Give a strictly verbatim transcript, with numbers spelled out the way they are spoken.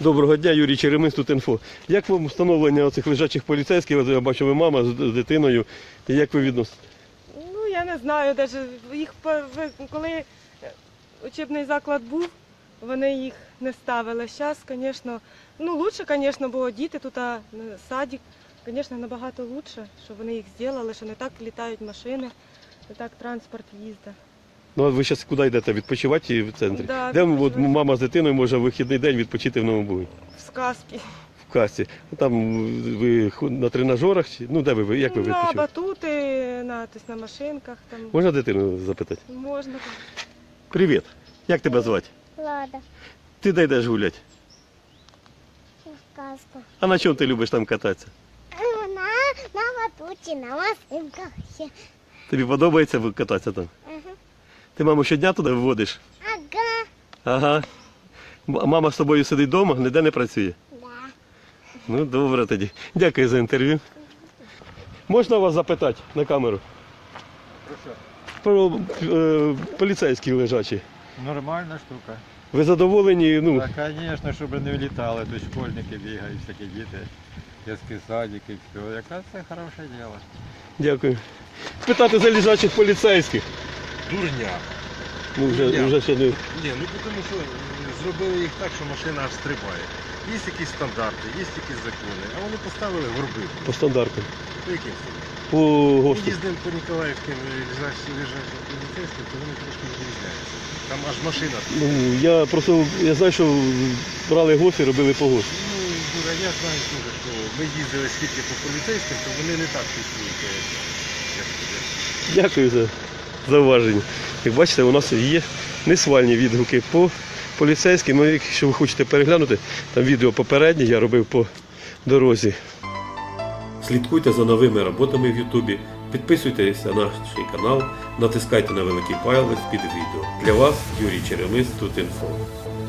Доброго дня, Юрій Черемис, тут інфо. Як вам встановлення оцих лежачих поліцейських? Я бачу, ви мама з дитиною. І як ви відносите? Ну, я не знаю, навіть їх пер- ви- коли учебний заклад був, вони їх не ставили. Зараз, звісно, ну, лучше, звісно, було діти тут, а садик, звісно, набагато лучше, що вони їх зробили, що не так літають машини, не так транспорт їздить. Ну, а ви зараз куди йдете? Відпочивати в центрі? Да, Де от, відпочивати. мама з дитиною може в вихідний день відпочити в Новому Бугі? В сказки. В касті. Ну, там ви ху- на тренажерах? чи- Ну, де ви, ви- як ви На відпочиваєте? батути, на, тобто, на машинках там Можна дитину запитати? можна. Привіт. Як тебе звати? Лада, Ти де йдеш гуляти? сказку. А на чому ти любиш там кататися? На, на батуті, на машинках ще. Тобі подобається кататися там? Ага. Ти маму щодня туди виводиш? Ага. Ага. М- А мама з тобою сидить вдома, ніде не працює? Да. Ну, добре тоді. Дякую за інтерв'ю. Можна вас запитати на камеру? Про е, поліцейські лежачі. Нормальна штука. Ви задоволені? Ну, Так, звісно, щоб не влітали, то школьники бігають, всякі діти, дитячі садики, все. Якраз це хороше діло. дякую. Питати за лежачих поліцейських. Дурня. Ну, вже, Ні. вже ще не... Ні, ну тому що зробили їх так, що машина аж стрибає. Є якісь стандарти, є якісь закони, а вони поставили горби. по стандарту. По яким собі? По Ми ГОСТу. їздимо по Ніколаївським лежачим поліцейським, то вони трошки відрізняються. Там аж машина. Ну, я просто, я знаю, що брали ГОСТ і робили по ГОСТу. Ну, Юра, я знаю, дуже, що ми їздили скільки по поліцейським, то вони не так фіксують, як туди. Дякую за зауваження. Як бачите, у нас є несвальні відгуки по поліцейським. Ну, якщо ви хочете переглянути, там відео попереднє я робив по дорозі. Слідкуйте за новими роботами в Ютубі, підписуйтесь на наш канал, натискайте на великий палець під відео. Для вас Юрій Черемис, тут інфо.